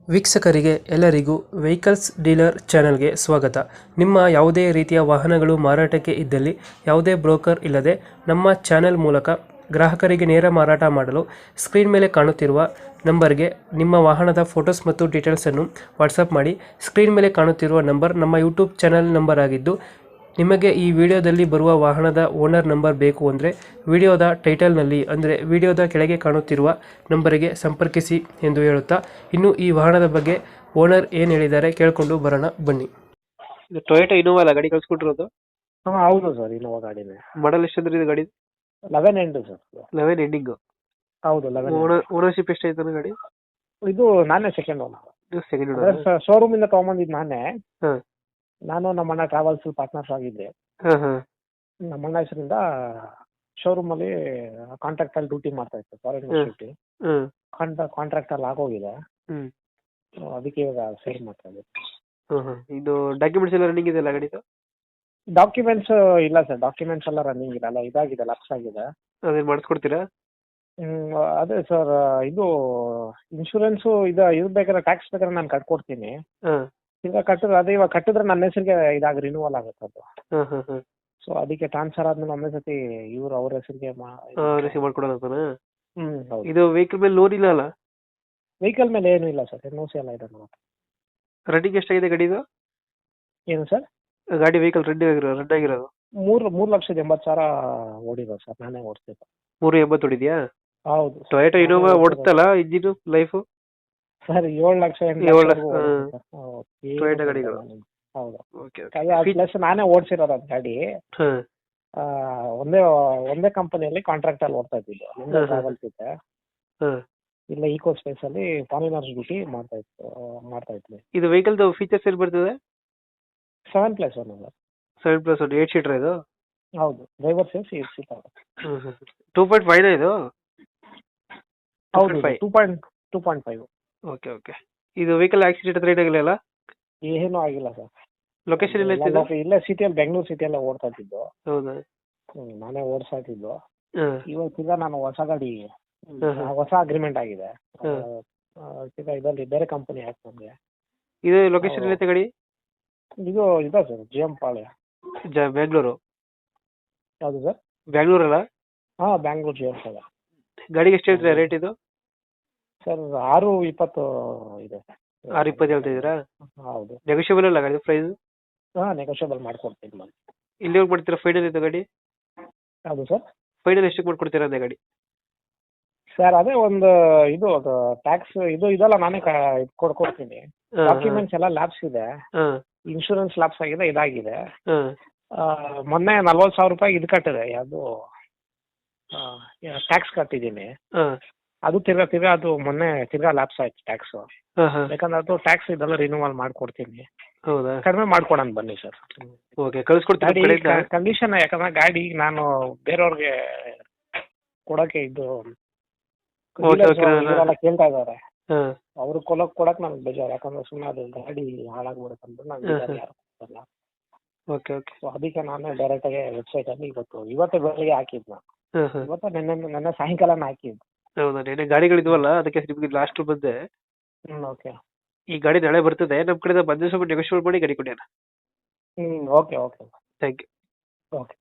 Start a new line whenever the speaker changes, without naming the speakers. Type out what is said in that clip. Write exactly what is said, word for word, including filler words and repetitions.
ವೀಕ್ಷಕರಿಗೆ ಎಲ್ಲರಿಗೂ vehicles dealer ಚಾನೆಲ್ಗೆ ಸ್ವಾಗತ. ನಿಮ್ಮ ಯಾವುದೇ ರೀತಿಯ ವಾಹನಗಳು ಮಾರಾಟಕ್ಕೆ ಇದ್ದಲ್ಲಿ ಯಾವುದೇ ಬ್ರೋಕರ್ ಇಲ್ಲದೆ ನಮ್ಮ ಚಾನೆಲ್ ಮೂಲಕ ಗ್ರಾಹಕರಿಗೆ ನೇರ ಮಾರಾಟ ಮಾಡಲು ಸ್ಕ್ರೀನ್ ಮೇಲೆ ಕಾಣುತ್ತಿರುವ ನಂಬರ್ಗೆ ನಿಮ್ಮ ವಾಹನದ ಫೋಟೋಸ್ ಮತ್ತು ಡೀಟೇಲ್ಸನ್ನು ವಾಟ್ಸಪ್ ಮಾಡಿ. ಸ್ಕ್ರೀನ್ ಮೇಲೆ ಕಾಣುತ್ತಿರುವ ನಂಬರ್ ನಮ್ಮ ಯೂಟ್ಯೂಬ್ ಚಾನೆಲ್ ನಂಬರ್ ಆಗಿದ್ದು, ನಿಮಗೆ ಈ ವಿಡಿಯೋದಲ್ಲಿ ಬರುವ ವಾಹನದ ಓನರ್ ನಂಬರ್ ಬೇಕು ಅಂದರೆ ವಿಡಿಯೋದ ಟೈಟಲ್ನಲ್ಲಿ ಅಂದರೆ ವಿಡಿಯೋದ ಕೆಳಗೆ ಕಾಣುತ್ತಿರುವ ನಂಬರಿಗೆ ಸಂಪರ್ಕಿಸಿ ಎಂದು ಹೇಳುತ್ತಾ, ಇನ್ನು ಈ ವಾಹನದ ಬಗ್ಗೆ ಓನರ್ ಏನು ಹೇಳಿದ್ದಾರೆ ಕೇಳಿಕೊಂಡು ಬರೋಣ ಬನ್ನಿ. ಇದು ಟೊಯೋಟಾ ಇನೋವಾ ಅಲ್ಲ ಗಾಡಿ ಕಳ್ಸ್ಕೊಟ್ಟಿರೋದು?
ಹಾಂ ಹೌದು ಸರ್, ಇನೋವಾ ಗಾಡಿನೇ.
ಮಾಡಲ್ ಎಷ್ಟು ಅಂದ್ರೆ ಇದು ಗಾಡಿ?
ಲೆವೆನ್ ಎಂಟು ಸರ್.
ಲೆವೆನ್ ಎಂಡಿಂಗು.
ಹೌದು, ಲೆವೆನ್.
ಓನರ್ಶಿಪ್ ಎಷ್ಟಾಯ್ತು ಗಾಡಿ?
ಇದು ನಾನೇ second owner.
Second owner.
Showroom ಇಂದ ತಗೊಂಬಂದಿದ್ದು ನಾನೇ.
ಹಾಂ.
ನಾನು ನಮ್ಮಣ್ಣ ಟ್ರಾವೆಲ್ಸ್ ಪಾರ್ಟ್ನರ್ಸ್ ಆಗಿದ್ದೆ.
ಹಾಂ ಹಾಂ.
ನಮ್ಮಣ್ಣ ಹೆಸರಿಂದ ಶೋರೂಮ್ ಅಲ್ಲಿ ಕಾಂಟ್ರಾಕ್ಟ್ ಅಲ್ಲಿ ಡ್ಯೂಟಿ ಮಾಡ್ತಾ ಇತ್ತು, ಫಾರಿನ್ ಡ್ಯೂಟಿ.
ಹ್ಮ್.
ಕಾಂಟ್ರಾಕ್ಟ್ ಅಲ್ಲಿ ಆಗೋಗಿದೆ.
ಹ್ಮ್.
ಅದಕ್ಕೆ ಇವಾಗ ಸೇಲ್ ಮಾಡ್ತಾ ಇದ್ದೆ.
ಹ್ಮ್ ಹ್ಮ್. ಇದು ಡಾಕ್ಯುಮೆಂಟ್ಸ್ ಎಲ್ಲ ರನ್ನಿಂಗ್ ಇದೆಯಲ್ಲ ಗಾಡಿದು?
ಡಾಕ್ಯುಮೆಂಟ್ಸ್ ಇಲ್ಲ ಸರ್, ಡಾಕ್ಯುಮೆಂಟ್ಸ್ ಎಲ್ಲ ರನ್ನಿಂಗ್ ಇದೆ, ಅಲ್ಲ ಇದಾಗಿದೆ, ಲ್ಯಾಪ್ಸ್ ಆಗಿದೆ.
ಅದೇನು ಮಾಡಿಸ್ಕೊಡ್ತೀರಾ?
ಹ್ಮ್, ಅದೇ ಸರ್, ಇದು ಇನ್ಶೂರೆನ್ಸು ಇದು ಇದು ಬೇಕಾದ್ರೆ ಟ್ಯಾಕ್ಸ್ ಬೇಕಾದ್ರೆ ನಾನು ಕಟ್ಕೊಡ್ತೀನಿ.
ಹಾಂ.
ಈಗ ಕಟ್ಟಿದ್ರೆ ಅದೇ ಇವಾಗ ಕಟ್ಟಿದ್ರೆ ನನ್ನ ಹೆಸರಿಗೆ ಇದಾಗ ರಿನ್ಯೂವಲ್ ಆಗುತ್ತೆ ಅದು.
ಹಾಂ ಹಾಂ ಹಾಂ.
ಸೊ ಅದಕ್ಕೆ ಟ್ರಾನ್ಸ್ಫರ್ ಆದ್ಮೇಲೆ ಒಂದೇ ಸತಿ ಇವ್ರು ಅವ್ರ ಹೆಸರಿಗೆ
ರಿಸೀವ್ ಮಾಡ್ಕೊಡೋದಂತಾನ?
ಹ್ಮ್ ಹೌದು.
ಇದು ವೆಹಿಕಲ್ ಮೇಲೆ ಲೋನ್ ಇಲ್ಲ ಅಲ್ಲ?
ವೆಹಿಕಲ್ ಮೇಲೆ ಏನು ಇಲ್ಲ ಸರ್, ಎನ್ ಓ ಸಿ ಎಲ್ಲ ಇದೆ ನಮ್ಮ ಹತ್ರ.
ರನ್ನಿಂಗ್ ಎಷ್ಟಾಗಿದೆ ಗಾಡಿದು?
ಏನು ಸರ್?
ಗಾಡಿ ವೆಹಿಕಲ್ ರೆಡ್ ಆಗಿರೋ ರೆಡ್ ಆಗಿರೋದು
ಮೂರು ಮೂರು ಲಕ್ಷದ ಎಂಬತ್ತು ಸಾವಿರ ಓಡಿರೋ ಸರ್, ನಾನೇ ಓಡಿಸ್ತಿದ್ದೆ.
ಮೂರು ಎಂಬತ್ತು ಹೊಡಿದ್ಯಾ?
ಹೌದು.
ಟೊಯೋಟಾ ಇನೋವಾ ಓಡ್ತಲ್ಲ ಇಂಜಿನ್ ಲೈಫು?
ಸರ್ ಏಳು ಲಕ್ಷ
ಏಳು ಲಕ್ಷ ಟೊಯೋಟಾ ಗಾಡಿಗಳು.
ಹೌದು.
ಓಕೆ
ಪ್ಲಸ್ ನಾನೇ ಓಡಿಸಿರೋದು ಅದು ಗಾಡಿ.
ಹಾಂ.
ಒಂದೇ ಒಂದೇ ಕಂಪನಿಯಲ್ಲಿ ಕಾಂಟ್ರಾಕ್ಟ್ ಅಲ್ಲಿ ಓಡ್ತಾ ಇದ್ದಿದ್ದು, ನಿಮ್ಗೆ ಟ್ರಾವೆಲ್ಸ್ ಇದೆ.
ಹಾಂ.
ಇಲ್ಲ ಈಕೋ ಸ್ಪೇಸ್ ಅಲ್ಲಿ ಫಾರಿನರ್ಸ್ ಡ್ಯೂಟಿ ಮಾಡ್ತಾ ಇತ್ತು ಮಾಡ್ತಾ ಇದ್ವಿ.
ಇದು ವೆಹಿಕಲ್ದು ಫೀಚರ್ಸ್ ಏನು ಬರ್ತದೆ?
ಸೆವೆನ್ ಪ್ಲಸ್ ಒನ್ ಅಲ್ಲ,
seven plus one eight seater ಇದು?
ಹೌದು, ಡ್ರೈವರ್ ಸೇರಿಸಿ eight seater.
Two point five ಇದು?
ಹೌದು, two point two point five.
Okay okay. ಇದು ವೆಹಿಕಲ್ ಆಕ್ಸಿಡೆಂಟ್ ಹತ್ರ ಏನಾಗಿಲ್ಲ ಅಲ್ಲ?
ಏನೂ ಆಗಿಲ್ಲ ಸರ್.
ಲೊಕೇಶನ್ ಎಲ್ಲ ಇತ್ತು?
ಇಲ್ಲೇ ಸಿಟಿಯಲ್ಲಿ, ಬೆಂಗಳೂರು ಸಿಟಿಯಲ್ಲೇ ಓಡ್ತಾ ಇದ್ದಿದ್ದು.
ಹೌದಾ?
ಹ್ಮ್, ನಾನೇ ಓಡಿಸ್ತಾ ಇದ್ದಿದ್ದು.
ಹಾಂ.
ಇವತ್ತೀಗ ನಾನು ಹೊಸ ಗಾಡಿ, ಹೊಸ ಅಗ್ರಿಮೆಂಟ್ ಆಗಿದೆ. ಈಗ ಇದರಲ್ಲಿ ಬೇರೆ ಕಂಪನಿ ಆಯ್ತು ನಮಗೆ.
ಇದು ಲೊಕೇಶನ್ ಎಲ್ಲ ಗಾಡಿ?
ಇದು ಇದೆ ಸರ್, ಜಿ ಎಂ ಪಾಳ್ಯ,
ಜ ಬೆಂಗಳೂರು.
ಯಾವುದು ಸರ್?
ಬೆಂಗಳೂರಲ್ಲ?
ಹಾಂ, ಬ್ಯಾಂಗ್ಳೂರು ಜಿ ಎಂ ಪಾಳ್ಯ.
ಗಾಡಿಗೆ ಎಷ್ಟು ಹೇಳ್ತೀರಾ ರೇಟ್ ಇದು?
ಸರ್ ಆರು ಇಪ್ಪತ್ತು ಇದೆ.
ಆರು ಇಪ್ಪತ್ತು ಹೇಳ್ತಿದ್ದೀರಾ?
ಹೌದು.
ನೆಗೋಷಿಯಬಲ್ ಅಲ್ಲ ಗಾಡಿ ಪ್ರೈಸ್?
ಹಾಂ, ನೆಗೋಷಿಯಬಲ್ ಮಾಡ್ಕೊಡ್ತೀನಿ ನಾನು.
ಇಲ್ಲಿ ಹೋಗಿ ಮಾಡ್ತೀರಾ ಫೈನಲ್ ಇದು ಗಾಡಿ?
ಯಾವುದು ಸರ್?
ಫೈನಲ್ ಎಷ್ಟಕ್ಕೆ ಮಾಡ್ಕೊಡ್ತೀರಾ ಅದೇ ಗಾಡಿ?
ಸರ್ ಅದೇ ಒಂದು ಇದು ಅದು ಟ್ಯಾಕ್ಸ್ ಇದು ಇದೆಲ್ಲ ನಾನೇ ಕೊಡ್ಕೊಡ್ತೀನಿ. ಡಾಕ್ಯುಮೆಂಟ್ಸ್ ಎಲ್ಲ ಲ್ಯಾಬ್ಸ್ ಇದೆ, ಇನ್ಶೂರೆನ್ಸ್ ಲ್ಯಾಬ್ಸ್ ಆಗಿದೆ, ಇದಾಗಿದೆ. ಮೊನ್ನೆ ನಲ್ವತ್ತು ಸಾವಿರ ರೂಪಾಯಿ ಇದು ಕಟ್ಟಿದೆ, ಯಾವುದು ಟ್ಯಾಕ್ಸ್ ಕಟ್ಟಿದ್ದೀನಿ. ಅದು ತಿರ್ಗಾ ತಿರ್ಗಾ ಅದು ಮೊನ್ನೆ ತಿರ್ಗಾ ಲ್ಯಾಪ್ಸ್ ಆಯ್ತು ಟ್ಯಾಕ್ಸ್. ಯಾಕಂದ್ರೆ ಅದು ಟ್ಯಾಕ್ಸ್ ಇದೆಲ್ಲ ರಿನ್ಯೂವಲ್ ಮಾಡ್ಕೊಡ್ತೀನಿ.
ಹೌದಾ?
ಕಡಿಮೆ ಮಾಡ್ಕೊಡೋಣ ಬನ್ನಿ ಸರ್.
ಓಕೆ, ಕಳಿಸ್ಕೊಡ್ತೀನಿ.
ಕಂಡೀಷನ್ ಯಾಕಂದ್ರೆ ಗಾಡಿ ನಾನು ಬೇರೆಯವ್ರಿಗೆ ಕೊಡಕ್ಕೆ ಇದು ಕೇಳ್ತಾ ಇದಾರೆ, ಅವ್ರು ಕೊಲಕ್ ಕೊಡಕ್ ನನ್ಗೆ ಬೇಜಾರು. ಯಾಕಂದ್ರೆ ಸುಮ್ಮನೆ ಅದು ಗಾಡಿ ಹಾಳಾಗ್ಬಿಡುತ್ತೆ ಅಂತ ನಾನು ಯಾರು ಕೊಡಲ್ಲ.
Okay okay.
ಸೊ ಅದಕ್ಕೆ ನಾನು ಡೈರೆಕ್ಟ್ ಆಗಿ ವೆಬ್ಸೈಟ್ ಅಲ್ಲಿ ಇವತ್ತು ಇವತ್ತೇ ಬೆಳಿಗ್ಗೆ ಹಾಕಿದ್ನ. ಇವತ್ತು ನೆನ್ನೆ ನೆನ್ನೆ ಸಾಯಂಕಾಲನ ಹಾಕಿದ್ದು.
ಹೌದಾ? ನೆನ್ನೆ ಗಾಡಿಗಳಿದ್ವಲ್ಲ ಅದಕ್ಕೆ ನಿಮ್ಗೆ ಲಾಸ್ಟ್ ಬಂದೆ.
Hmm, okay.
ಈ ಗಾಡಿ ನಾಳೆ ಬರ್ತದೆ, ನಮ್ಮ ಕಡೆ ಬಂದು ಸ್ವಲ್ಪ ನೆಗೋಷಿಯೇಟ್ ಮಾಡಿ ಗಾಡಿ ಕೊಡಿ.
Hmm, okay okay.
Thank you.
Okay.